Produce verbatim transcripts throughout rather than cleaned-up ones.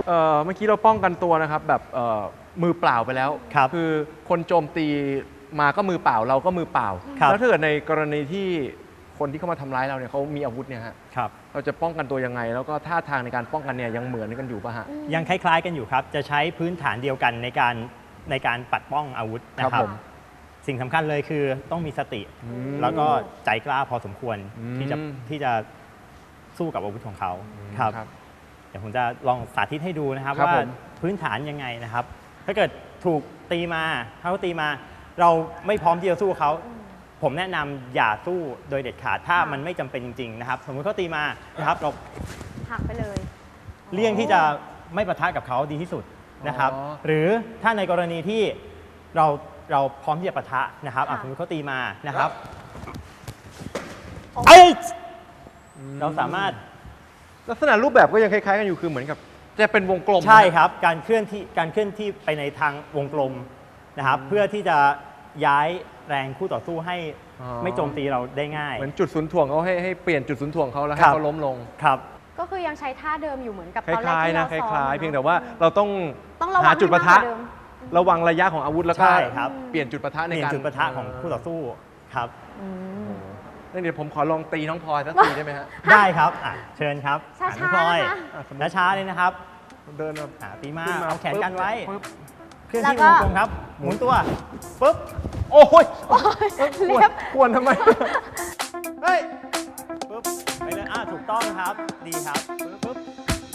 เอ่อเมื่อกี้เราป้องกันตัวนะครับแบบเอ่อมือเปล่าไปแล้วครับคือคนโจมตีมาก็มือเปล่าเราก็มือเปล่าครับแล้วถ้าเกิดในกรณีที่คนที่เข้ามาทำร้ายเราเนี่ยเขามีอาวุธเนี่ยฮะครับเราจะป้องกันตัวยังไง แล้วก็ท่าทางในการป้องกันเนี่ยยังเหมือนกันอยู่ป่ะฮะยังคล้ายๆกันอยู่ครับ จะใช้พื้นฐานเดียวกันในการในการปัดป้องอาวุธนะคครัรับบ ผมสิ่งสำคัญเลยคือต้องมีสติมแล้วก็ใจกล้าพอสมควรอืมที่จะที่จะสู้กับอาวุธของเขาครับครับเดี๋ยวผมจะลองสาธิตให้ดูนะครับครับว่าผมพื้นฐานยังไงนะครับ ถ้าเกิดถูกตีมาถ้าเขาตีมา เราไม่พร้อมที่จะสู้เขา ผมแนะนำอย่าสู้โดยเด็ดขาดถ้าค่ะมันไม่จำเป็นจริงๆนะครับ สมมติเขาตีมานะครับเราหักไปเลยเลี่ยงที่จะไม่ปะทะกับเขาดีที่สุดนะครับอ๋อหรือถ้าในกรณีที่เราเราพร้อมที่จะปะทะนะครับอ่ะค่ะสมมติเขาตีมานะครับโอ้เอ้ยเราสามารถลักษณะรูปแบบก็ยังคล้ายๆกันอยู่คือเหมือนกับจะเป็นวงกลมใช่ครับการเคลื่อนที่การเคลื่อนที่ไปในทางวงกลมนะครับ เพื่อที่จะย้ายแรงคู่ต่อสู้ให้อ๋อไม่โจมตีเราได้ง่ายเหมือนจุดศูนย์ถ่วงเขาให้ให้เปลี่ยนจุดศูนย์ถ่วงเขาแล้วให้ครับเขาล้มลงครับก็คือยังใช้ท่าเดิมอยู่เหมือนกับคตอนแรกล้ายที่ๆนะเราคซ้อมล้ายๆอะเพียงเนแต่อะว่าเราต้องต้องระวังหาจุดปะทะให้มากกว่าเดิมระวังระยะของอาวุธแล้วก็ใช่ครับเปลี่ยนจุดปะทะเปในลี่ยนการจุดปะทะของคู่ต่อสู้ครับอืมงั้นเดี๋ยวผมขอลองตีน้องพลอยสักทีได้ไหมฮะได้ครับอ่ะเชิญครับช้าๆอ่ะน้องพลอยนะคะอ่ะสมมุติช้าๆเลยนะครับเดินมาอ่ะตีมาขึ้นมาเอาแขนกันไว้ปึ๊บเคลื่อนแล้วที่ก็วงกลมครับ หมุนตัวปุ๊บโอ้ยเล็บควรทำไม เฮ้ยปุ๊บไปเลยอ่ะถูกต้องครับดีครับปุ๊บปุ๊บ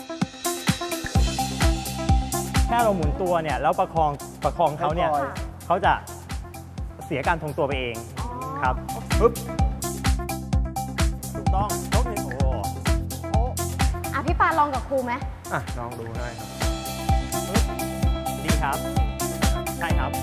แค่เราหมุนตัวเนี่ยแล้วประคองประคองเขาเนี่ยให้พลอยเขาจะเสียการทรงตัวไปเองอ๋อครับปึ๊บถูกต้องยกหนึ่งโอ้โอ้อ่ะพี่ปาลองกับครูไหมอ่ะลองดูได้ครับปึ๊บดีครับ ใช่ครับ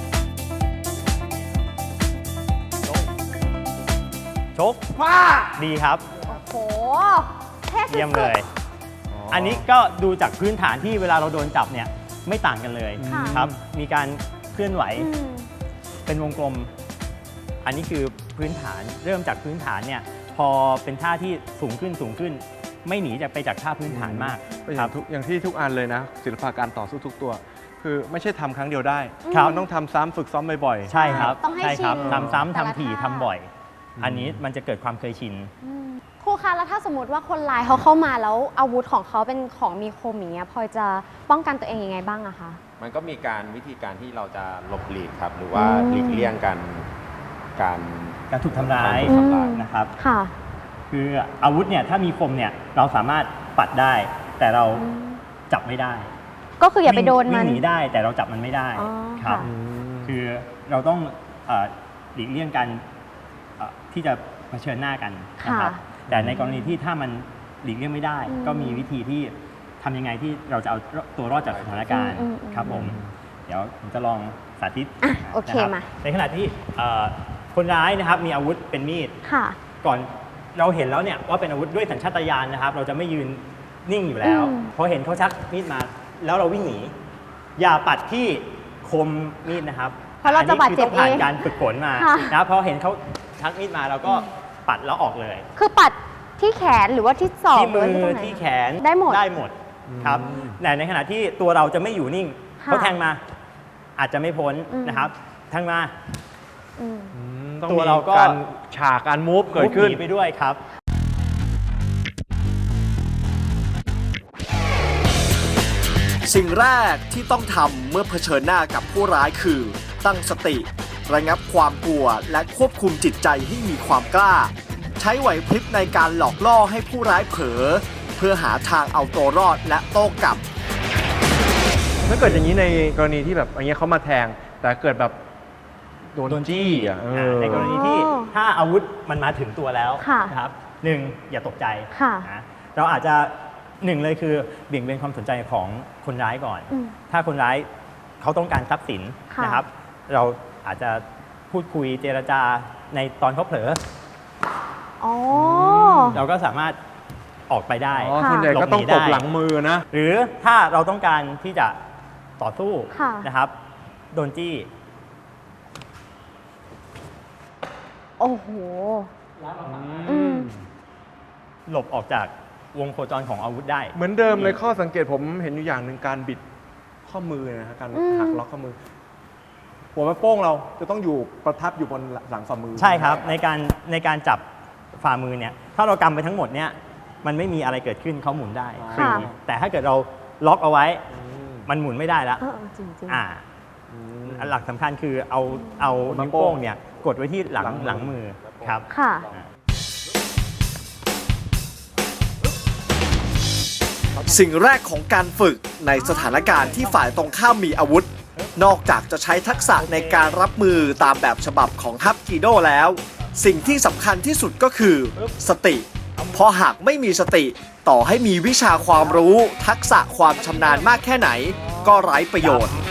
ชกชกว้าดีครับโอ้โหเท่สุดๆเยี่ยมเลย อันนี้ก็ดูจากพื้นฐานที่เวลาเราโดนจับเนี่ยไม่ต่างกันเลยค่ะครับ มีการเคลื่อนไหวอืมเป็นวงกลม อันนี้คือพื้นฐานเริ่มจากพื้นฐานเนี่ยพอเป็นท่าที่สูงขึ้นสูงขึ้น ไม่หนีจากไปจากท่าพื้นฐานมากก็อครัย่าบงทุกอย่างที่ทุกอันเลยนะ ศิลปะการต่อสู้ทุกตัว คือไม่ใช่ทำครั้งเดียวได้ครับมันต้องทำซ้ำฝึกซ้อมบ่อยๆใช่ครับต้องให้ใช่ครับชินทำซ้ำแต่ละทำถี่ท่าทำบ่อย อันนี้มันจะเกิดความเคยชินอืมครูคะแล้วถ้าสมมติว่าคนร้ายเขาเข้ามาแล้วอาวุธของเขาเป็นของมีคมอย่างเงี้ยพลอยจะป้องกันตัวเองยังไงบ้างอะคะมันก็มีการวิธีการที่เราจะหลบหลีกครับ หรือว่าอืมหลีกเลี่ยงการการการถูกทำร้ายกถูกทำร้ายอืมนะครับค่ะคืออาวุธเนี่ยถ้ามีคมเนี่ยเราสามารถปัดได้ แต่เราจับไม่ได้ก็คืออย่าไปโดนวิ่งมันวิ่งหนีได้แต่เราจับมันไม่ได้อ๋อครับค่ะอืมคือเราต้องเอ่อหลีกเลี่ยงการเอ่อที่จะเผชิญหน้ากันนะครับค่ะแต่ในกรณีที่ถ้ามันหลีกเลี่ยงไม่ได้อืมก็มีวิธีที่ทำยังไงที่เราจะเอาตัวรอดจากสถานการณ์อืมอืมครับผม เดี๋ยวผมจะลองสาธิตอ่ะโอเคนะครับมาในขณะที่เอ่อคนร้ายนะครับมีอาวุธเป็นมีดค่ะก่อนเราเห็นแล้วเนี่ยว่าเป็นอาวุธด้วยสัญชาตญาณนะครับ เราจะไม่ยืนนิ่งอยู่แล้วอืมพอเห็นเขาชักมีดมา แล้วเราวิ่งหนี อย่าปัดที่คมมีดนะครับเพราะเราจะบาดเจ็บนนี้คือต้องผ่านเองการฝึกฝนมาค่ะนะครับพอเห็นเขาชักมีดมาเราก็ปัดแล้วออกเลยคือปัดที่แขนหรือว่าที่ศอกที่หรืมืว่าที่ตรองไหนที่แขนได้หมดได้หมดครับอืมแต่ในขณะที่ตัวเราจะไม่อยู่นิ่งค่ะเขาแทงมา อาจจะไม่พ้นอืมนะครับแทงมาอืมอืมต้องตัวมีเราก็การฉากการมูฟเกิดขึ้นหนีไปด้วยครับสิ่งแรกที่ต้องทำเมื่อเผชิญหน้ากับผู้ร้ายคือ ตั้งสติ ระงับความกลัวและควบคุมจิตใจให้มีความกล้า ใช้ไหวพริบในการหลอกล่อให้ผู้ร้ายเผลอเพื่อหาทางเอาตัวรอดและโต้กลับถ้าเกิดอย่างนี้ในกรณีที่แบบอย่างเงี้ยเขามาแทง แต่เกิดแบบโดนโดนจี้จี้อ่ะเออในกรณีที่อ๋อถ้าอาวุธมันมาถึงตัวแล้วค่ะนะครับหนึ่งอย่าตกใจค่ะนะเราอาจจะหนึ่งเลยคือเบี่ยงเบนความสนใจของคนร้ายก่อนอืมถ้าคนร้ายเขาต้องการทรัพย์สินค่ะนะครับ เราอาจจะพูดคุยเจรจาในตอนเขาเผลออ๋อเราก็สามารถออกไปได้อ๋อค่ะส่วนใหญ่ก็ต้องหลบหนีได้ตบหลังมือนะหรือถ้าเราต้องการที่จะต่อสู้ค่ะนะครับโดนจี้โอ้โห อืมหลบออกจากวงโคจรของอาวุธได้เหมือนเดิมเลยข้อสังเกตผมเห็นอยู่อย่างหนึ่งการบิดข้อมือนะฮะการอืมหักล็อกข้อมือ หัวแม่โป้งเราจะต้องอยู่ประทับอยู่บนหลังฝ่ามือใช่ครับในการในการจับฝ่ามือเนี่ยถ้าเรากำไปทั้งหมดเนี่ยมันไม่มีอะไรเกิดขึ้นเขาหมุนได้ค่ะแต่ถ้าเกิดเราล็อกเอาไว้อืมมันหมุนไม่ได้แล้วเออจริงจริงๆอ่าอืมหลักสำคัญคือเอาเอานิ้นิ้ววโป้โป้งงเนี่ยกดไว้ที่หลังหหลัลังงมืมืออครับค่ะสิ่งแรกของการฝึกในสถานการณ์ที่ฝ่ายตรงข้ามมีอาวุธ นอกจากจะใช้ทักษะในการรับมือตามแบบฉบับของฮับกีโดแล้ว สิ่งที่สำคัญที่สุดก็คือ สติ เพราะหากไม่มีสติ ต่อให้มีวิชาความรู้ ทักษะความชำนาญมากแค่ไหน ก็ไร้ประโยชน์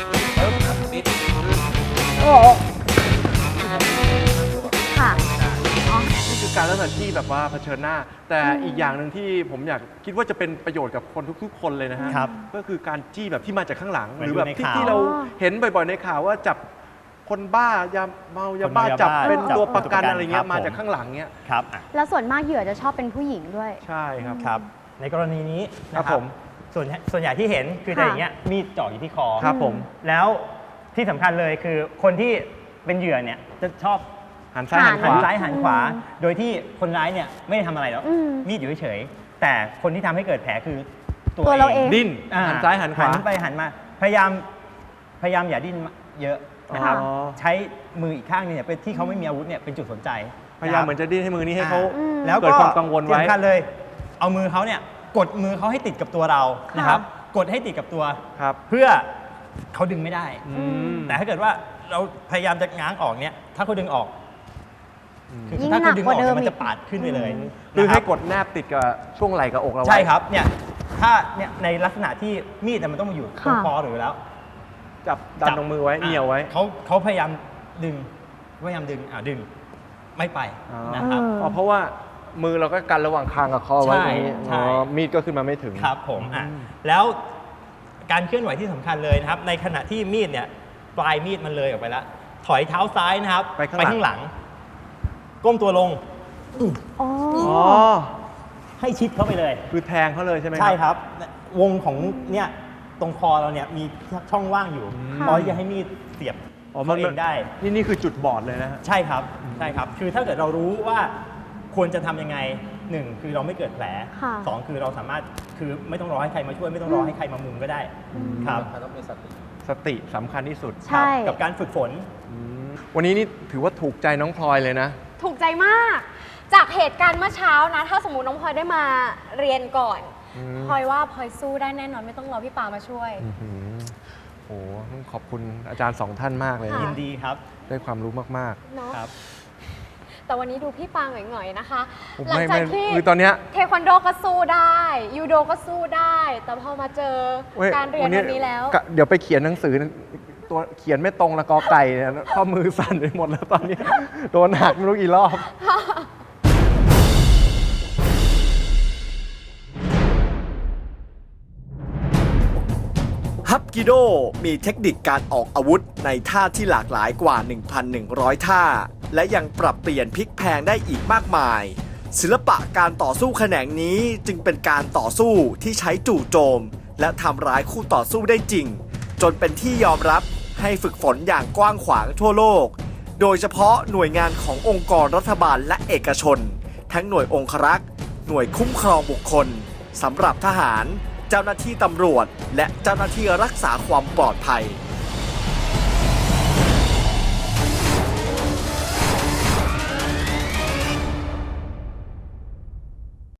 ค่ะนี่คือการลักษณะที่แบบว่าเผชิญหน้า แต่อีกอย่างหนึ่งที่ผมอยากคิดว่าจะเป็นประโยชน์กับคนทุกๆ คนเลยนะฮะครับก็คือการจี้แบบที่มาจากข้างหลังเหมืหอนรือแบบดูในที่ข่าวที่เราเห็นบ่อยๆในข่าวว่าจับคนบ้ายาเมายาบ้าคนเมายาบ้าจับเป็นจับตัวประกันตัวประกันอะไรเงี้ครัยบมาผมจากข้างหลังเงี้ยครับอ่ะแล้วส่วนมากเหยื่อจะชอบเป็นผู้หญิงด้วยใช่ครับครับในกรณีนี้นะคครัรับบ ผมส่วนส่วนใหญ่ที่เห็นคือจะอย่างเงี้ยมีดเจาะอยู่ที่คอครับผมแล้วที่สำคัญเลยคือคนที่เป็นเหยื่อเนี่ยจะชอบหันซ้ายหันขหันวาซ้ายหันขวา โดยที่คนร้ายเนี่ยไม่ได้ทำอะไรแล้วอืมมีดอยู่เฉยๆแต่คนที่ทำให้เกิดแผลคือตัวเราเองดิ้นอ่หันซ้ายหันขวาหันไปหันมาพยายามพยายามอย่าดิ้นเยอะนะครับอ๋อใช้มืออีกข้างนึงเนี่ยเป็นที่เขาไม่มีอาวุธเนี่ยเป็นจุดสนใจพยายามเหมือนจะดิ้นให้มือนี้ให้เขาอืมแล้วเกิดความกังวลไว้ที่สำคัญเลย เอามือเขาเนี่ยกดมือเขาให้ติดกับตัวเรานะครับกดให้ติดกับตัวครับเพื่อเขาดึงไม่ได้อืมแต่ถ้าเกิดว่าเราพยายามจะง้างออกเนี่ยถ้าเขาดึงออกคือยิ่งถ้าเขาดึงออกหนักกว่าเดิเนี่ยมมันจะอีกปาดขึ้นไปเลยคือนะให้รับกดแนบติดกับช่วงไหล่กับอกเราไว้ใช่ครับเนี่ยถ้าเนี่ยในลักษณะที่มีดเนี่ยมันต้องมาอยู่ตรงค่ะคอหรือแล้วจับดันตรงมือไว้เหนียวไว้เขาเขาพยายามดึงพยายามดึงอ่าดึงไม่ไปอ๋อนะครับเอออ๋อเพราะว่ามือเราก็กันระหว่างคางกับคอไว้ตรงนี้ใช่อ๋อใช่มีดก็ขึ้นมาไม่ถึงครับผมอ่ะแล้วการเคลื่อนไหวที่สำคัญเลยนะครับ ในขณะที่มีดเนี่ยปลายมีดมันเลยออกไปแล้ว ถอยเท้าซ้ายนะครับไปข้างหลังหลัง ก้มตัวลงอ๋ออ๋อให้ชิดเข้าไปเลยคือแทงเขาเลยใช่ไหมใช่ครับ วงของเนี่ยตรงคอเราเนี่ยมีช่องว่างอยู่ค่ะพอที่จะให้มีดเสียบอ๋อมันเข้าเองได้นี่นี่คือจุดบอดเลยนะฮะใช่ครับใช่ครับ คือถ้าเกิดเรารู้ว่าควรจะทำยังไงหนึ่งคือเราไม่เกิดแผลค่ะสองคือเราสามารถคือไม่ต้องรอให้ใครมาช่วยไม่ต้องรอให้ใครมามุงก็ได้ครับต้องมีสติสติสำคัญที่สุดใช่กับการฝึกฝนอืมวันนี้นี่ถือว่าถูกใจน้องพลอยเลยนะถูกใจมาก จากเหตุการณ์เมื่อเช้านะ ถ้าสมมติน้องพลอยได้มาเรียนก่อนอืมพลอยว่าพลอยสู้ได้แน่นอนไม่ต้องรอพี่ปามาช่วยอื้อหือโอ้โหต้องขอบคุณอาจารย์สองท่านมากเลยค่ะยินะนดีครับได้ความรู้มากเนาะครับแต่วันนี้ดูพี่ปาหน่อยๆนะคะๆผมหลังไม่จากไม่ที่คือตอนเนี้ยเทควันโดก็สู้ได้ ยูโดก็สู้ได้ แต่พอมาเจอว้การเรียนวันนี้แล้วกะเดี๋ยวไปเขียนหนังสือตัวเขียนไม่ตรงละกอไก่เนี่ยข้อมือสั่นไปหมดแล้วตอนนี้ โดนหักไม่รู้กี่รอบฮับกิโดมีเทคนิคการออกอาวุธในท่าที่หลากหลายกว่า หนึ่งพันหนึ่งร้อย ท่า และยังปรับเปลี่ยนพลิกแพลงได้อีกมากมาย ศิลปะการต่อสู้แขนงนี้จึงเป็นการต่อสู้ที่ใช้จู่โจม และทำร้ายคู่ต่อสู้ได้จริง จนเป็นที่ยอมรับให้ฝึกฝนอย่างกว้างขวางทั่วโลก โดยเฉพาะหน่วยงานขององค์กรรัฐบาลและเอกชน ทั้งหน่วยองครักษ์ หน่วยคุ้มครองบุคคลสำหรับทหาร เจ้าหน้าที่ตำรวจ และเจ้าหน้าที่รักษาความปลอดภัย